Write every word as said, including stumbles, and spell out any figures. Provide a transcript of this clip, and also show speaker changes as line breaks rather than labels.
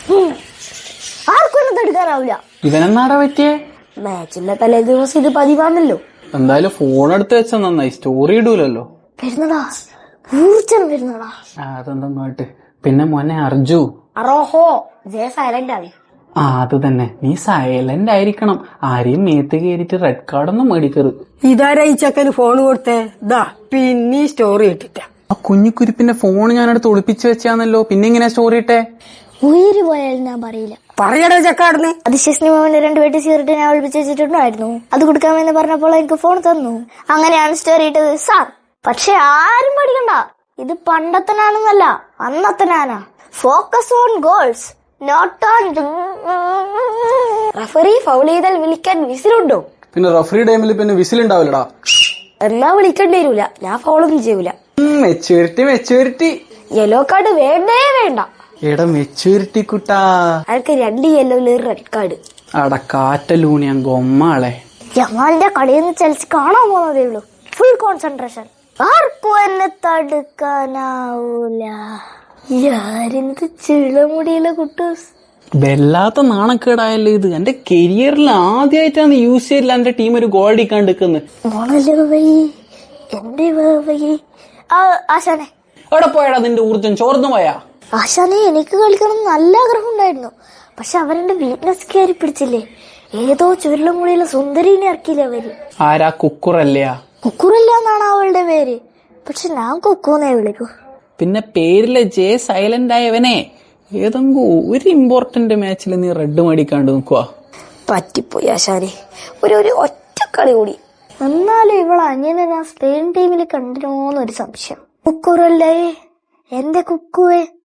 ആർക്കും ഒന്നും തടുക്കാനാവില്ല.
ഇവനെന്നാടാ പറ്റിയേ?
മാച്ചിന്റെ തലേ ദിവസം ഇത് പതിവാണല്ലോ.
എന്തായാലും ഫോൺ എടുത്ത് വെച്ചാ നന്നായി, സ്റ്റോറി ഇടൂലല്ലോ.
വരുന്നടാ, ഊർജ്ജം വരുന്നടാ.
അതെന്താട്ട്. പിന്നെ മോനെ അർജു,
അറോഹോ ജയ സൈലന്റ് ആണ്.
ആ അത് തന്നെ, നീ സൈലന്റ് ആയിരിക്കണം. ആരെയും മേത്ത് കയറിയിട്ട് റെഡ് കാർഡൊന്നും മേടിക്കരുത്.
ഇതാരാ ഈ ചെക്കന് ഫോൺ കൊടുത്തേ? ദാ പിന്നെ സ്റ്റോറി ഇട്ടിട്ട.
ആ കുഞ്ഞിക്കുരിപ്പിന്റെ ഫോൺ ഞാനടുത്ത് ഒളിപ്പിച്ചു വെച്ചാന്നല്ലോ, പിന്നെ ഇങ്ങനെ സ്റ്റോറി ഇട്ടേ?
ഉയര് പോയാലും ഞാൻ പറയില്ല.
പറയടാ ചക്കാടുന്ന്.
അതിശേഷന്റെ രണ്ട് പേട്ട് സിഗരറ്റ് ഞാൻ ഒളിപ്പിച്ച് വെച്ചിട്ടുണ്ടായിരുന്നു. അത് കൊടുക്കാമെന്ന് പറഞ്ഞപ്പോൾ എനിക്ക് ഫോൺ തന്നു. അങ്ങനെയാണ് സ്റ്റോറി ഇട്ടത് സാർ. പക്ഷെ ആരും പഠിക്കണ്ട, ഇത് പണ്ടത്തനാണെന്നല്ല, അന്നത്തനാനാ. Focus on goals, not on. Referee foul ചെയ്താൽ വിളിക്കാൻ വിസിലുണ്ടോ?
പിന്നെ റഫറി ടൈമിൽ പിന്നെ വിസിലുണ്ടാവില്ലടാ.
എന്നാ വിളിക്കേണ്ടി വരൂല, ഞാൻ ഫൗളൊന്നും ചെയ്യൂല.
Maturity maturity.
യെല്ലോ കാർഡ് വേണ്ടേ വേണ്ട.
എടാ മെച്ചൂരിറ്റി കുട്ടാ.
അയാൾക്ക് രണ്ട് യെല്ലോയില് റെഡ് കാർഡ്.
അട കാറ്റലൂണിയാ ഗൊമ്മാളെ.
ജമാലിന്റെ കളിയിൽ നിന്ന് ചെൽസി കാണാൻ പോകുന്നതേ ഉള്ളൂ. Full concentration. ആർക്കും എന്നെ തടുക്കാനാവൂല. യാരെന്ത് ചിളമുടിയുള്ള കുട്ടൂസ്.
വല്ലാത്ത നാണക്കേടായല്ലോ ഇത്. എന്റെ കരിയറിൽ ആദ്യമായിട്ടാണ് യൂസ് ചെയ്തില്ല എന്റെ ടീം ഒരു ഗോൾ അടിക്കാൻ എടുക്കുന്നത്.
എന്റെ ആശാനെ
എവിടെ പോയടാ നിന്റെ ഊർജ്ജം? ചോർന്നു പോയാ?
ആശാനെ എനിക്ക് കളിക്കണം നല്ല ആഗ്രഹം ഉണ്ടായിരുന്നു. പക്ഷെ അവരെന്റെ വീക്ക്നെസ് കയറി പിടിച്ചില്ലേ. ഏതോ ചുരുളമുടിയുള്ള സുന്ദരീനെ ഇറക്കിയില്ലേ അവര്.
ആരാ? കുക്കുറല്ലയാ?
കുക്കുറില്ല എന്നാണ് അവളുടെ പേര്, പക്ഷെ ഞാൻ കുക്കൂന്നേ വിളിക്കൂ.
പിന്നെ പേരിലെ ജെ സൈലന്റ് ആയവനെ ഏതെങ്കിലും ഒരു ഇമ്പോർട്ടന്റ് മാച്ചിൽ നീ റെഡ് മേടിക്കാണ്ട് നിക്കുവാ.
പറ്റിപ്പോയി ആശാനെ, ഒരു ഒരു ഒറ്റ കളി കൂടി. എന്നാലും ഇവളെ അങ്ങനെ ഞാൻ സ്പെയിൻ ടീമിൽ കണ്ടിരുന്നോന്നൊരു സംശയം. കുക്കുറല്ലേ എന്റെ കുക്കുവേ.